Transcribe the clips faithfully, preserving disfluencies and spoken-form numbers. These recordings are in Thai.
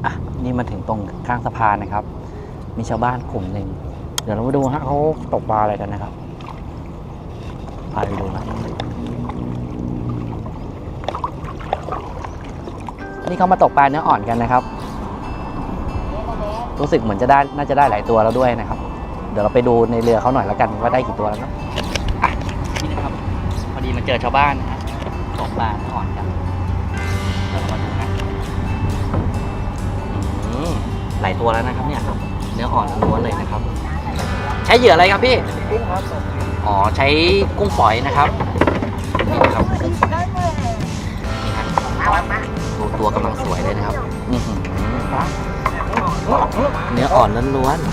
อ่ะนี่มาถึงตรงข้างสะพานนะครับมีชาวบ้านกลุ่มหนึ่งเดี๋ยวเรามาดูฮะเขาตกปลาอะไรกันนะครับพาไปดูนะนี่เขามาตกปลาเนื้ออ่อนกันนะครับรู้สึกเหมือนจะได้น่าจะได้หลายตัวแล้วด้วยนะครับเดี๋ยวเราไปดูในเรือเขาหน่อยแล้วกันว่าได้กี่ตัวแล้วเนาะอ่ะนี่นะครับพอดีมาเจอชาวบ้านนะตกปลาเนื้ออ่อนกันเดี๋ยวเรามาดูนะหลายตัวแล้วนะครับเนี่ยเนื้ออ่อนล้วนเลยนะครับใช้เหยื่ออะไรครับพี่กุ้งครับอ๋อใช้กุ้งฝอยนะครับนี่นะครับตัวตัวกำลังสวยเลยนะครับเนื้ออ่อนล้วน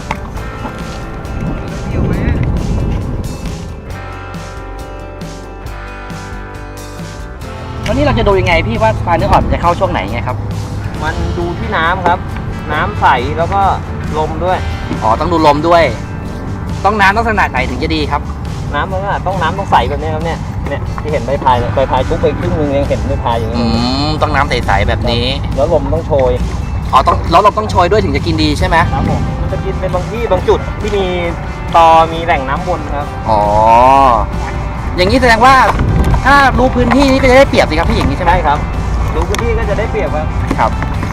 วันนี้เราจะดูยังไงพี่ว่าปลาเนื้ออ่อนจะเข้าช่วงไหนไงครับมันดูที่น้ำครับน้ำใสแล้วก็ลมด้วยอ๋อต้องดูลมด้วยต้องน้ำต้องขนาดไหนถึงจะดีครับน้ำมันก็ต้องน้ำต้องใสแบบนี้ครับเนี่ยเนี่ยที่เห็นใบพายใบพายทุกไปครึ่งนึงยังเห็นใบพายอย่างนี้อืมต้องน้ำใสๆแบบนี้แล้วลมต้องโชยอ๋อต้องแล้วลมต้องโชยด้วยถึงจะกินดีใช่ไหมครับผมมันจะกินเป็นบางที่บางจุดที่มีตอมีแหล่งน้ำวนครับอ๋ออย่างนี้แสดงว่าถ้ารู้พื้นที่นี่ก็จะได้เปรียบสิครับพี่อย่างนี้ใช่ไหมครับรู้พื้นที่ก็จะได้เปรียบครับครับ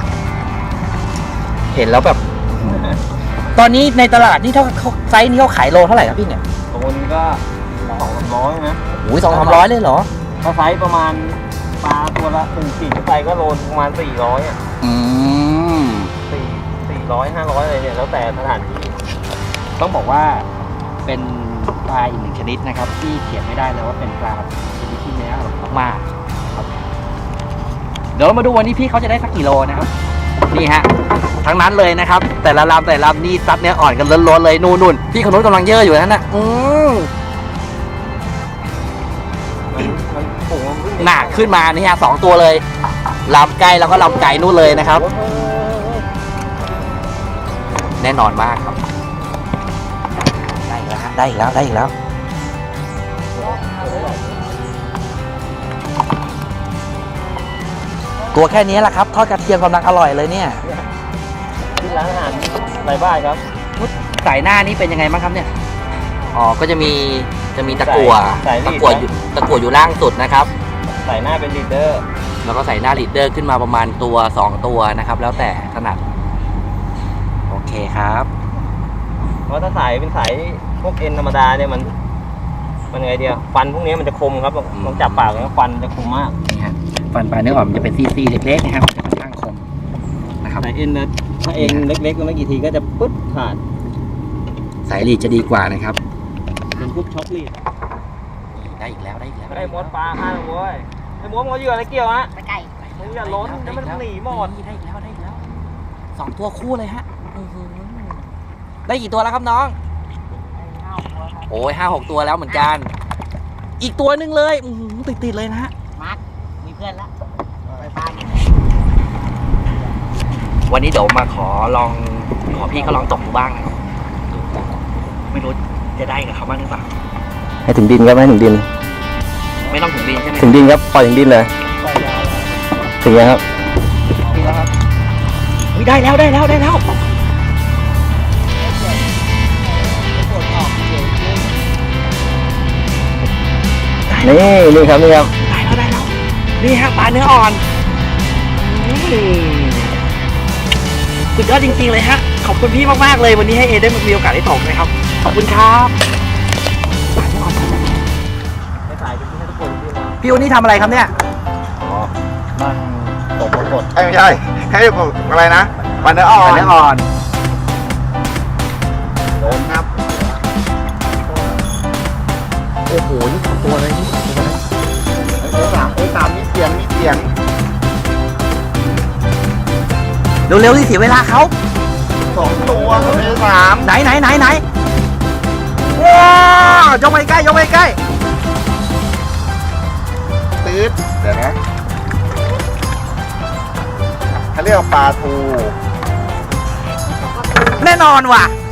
เห็นแล้วแบบตอนนี้ในตลาดนี่เท่าไซส์นี้เขาขายโลเท่าไหร่ครับพี่เนี่ยตัวนี้ก็สองสามร้อยนะโอ้ยสองสามร้อยเลยเหรอถ้าไซส์ประมาณปลาตัวละหนึ่งขีดขึ้นไปก็โลประมาณสี่ร้อยอ่ะอืมสี่สี่ร้อยห้าร้อยอะไรเนี่ยแล้วแต่สถานที่ต้องบอกว่าเป็นปลาอีกหนึ่งชนิดนะครับที่เขียนไม่ได้เลยว่าเป็นปลาชนิดที่เนื้ออร่อยมากๆครับเดี๋ยวเรามาดูวันนี้พี่เขาจะได้สักกี่โลนะครับนี่ฮะทั้งนั้นเลยนะครับแต่ละลำแต่ละลำนี่ซัดเนื้ออ่อนกันล้นๆเลยนู่นนู่นพี่คนนู้นกำลังเยอะอยู่นั่นน่ะอืมหนักขึ้นมานี่ฮะสองตัวเลยลำใกล้แล้วก็ลำไก่นู่นเลยนะครับแน่นอนมากครับได้อีกแล้วฮะได้อีกแล้วได้อีกแล้วตัวแค่นี้แหละครับทอดกระเทียมกำลังอร่อยเลยเนี่ยที่ร้านอาหารไรบ้านครับสายหน้านี่เป็นยังไงบ้างครับเนี่ยอ๋อก็จะมีจะมีตะกั่วตะกั่วอยู่ตะกั่วอยู่ล่างสุดนะครับสายหน้าเป็นลีดเดอร์แล้วก็ใส่หน้าลีดเดอร์ขึ้นมาประมาณตัวสองตัวนะครับแล้วแต่ถนัดโอเคครับเพราะถ้าสายเป็นสายพวกเอ็นธรรมดาเนี่ยมันมันไงเดียวฟันพวกนี้มันจะคมครับลองจับปากแล้วฟันจะคมมากนี่ฮะฟันปลาเนื้ออ่อนมันจะเป็นซี่ๆเล็กๆนะครับจะค่อนข้างคมนะครับสายเอ็นนะถ้าเอ็นเล็กๆก็ไม่กี่ทีก็จะปึ๊ดขาดสายลีดจะดีกว่านะครับเป็นพวกช็อคลีดได้อีกแล้วได้อีกแล้วไอ้มดปลาห้าโว้ยไอ้มดมดเหยื่ออะไรเกี่ยวฮะไก่มึงอย่าล้นจะมันหนีหมดได้อีกแล้วได้อีกแล้วสองตัวคู่เลยฮะได้กี่ตัวแล้วครับน้องโอ้ยห้าหกตัวแล้วเหมือนกันอีกตัวหนึ่งเลยติดติดเลยนะฮะมาร์คมีเพื่อนแล้วไปพาวันนี้เดี๋ยวมาขอลองขอพี่เขาลองตกดูบ้างนะครับไม่รู้จะได้กับเขาบ้างหรือเปล่าให้ถึงดินครับให้ถึงดินไม่ต้องถึงดินใช่ไหมถึงดินครับปล่อยถึงดินเลยถึงแล้วครับถึงแล้วครับได้แล้วได้แล้วได้แล้วนี่นี่ครับนี่ครับได้แล้วได้แล้วนี่ฮะปลาเนื้ออ่อนสุดยอดจริงๆเลยฮะขอบคุณพี่มากๆเลยวันนี้ให้เอได้มีโอกาสได้ตกนะครับขอบคุณครับปลาเนื้ออ่อนพี่วันนี้ทำอะไรครับเนี่ยอ๋อนั่งตกสดไม่ใช่ให้ตกอะไรนะปลาเนื้ออ่อนปลาเนื้ออ่อนโดนครับโอ้โหนี่สองตัวเลยนี่สองตัวเลยไอ้สามไอ้สามมีเสียงมีเสียงเร็วๆที่เสียเวลาเขาสองตัวไอ้สามไหนไหนไหนไหนว้าวยกไปใกล้ยกไปใกล้ตืดเดี๋ยวนะเขาเรียกว่าปลาทูแน่นอนว่ะ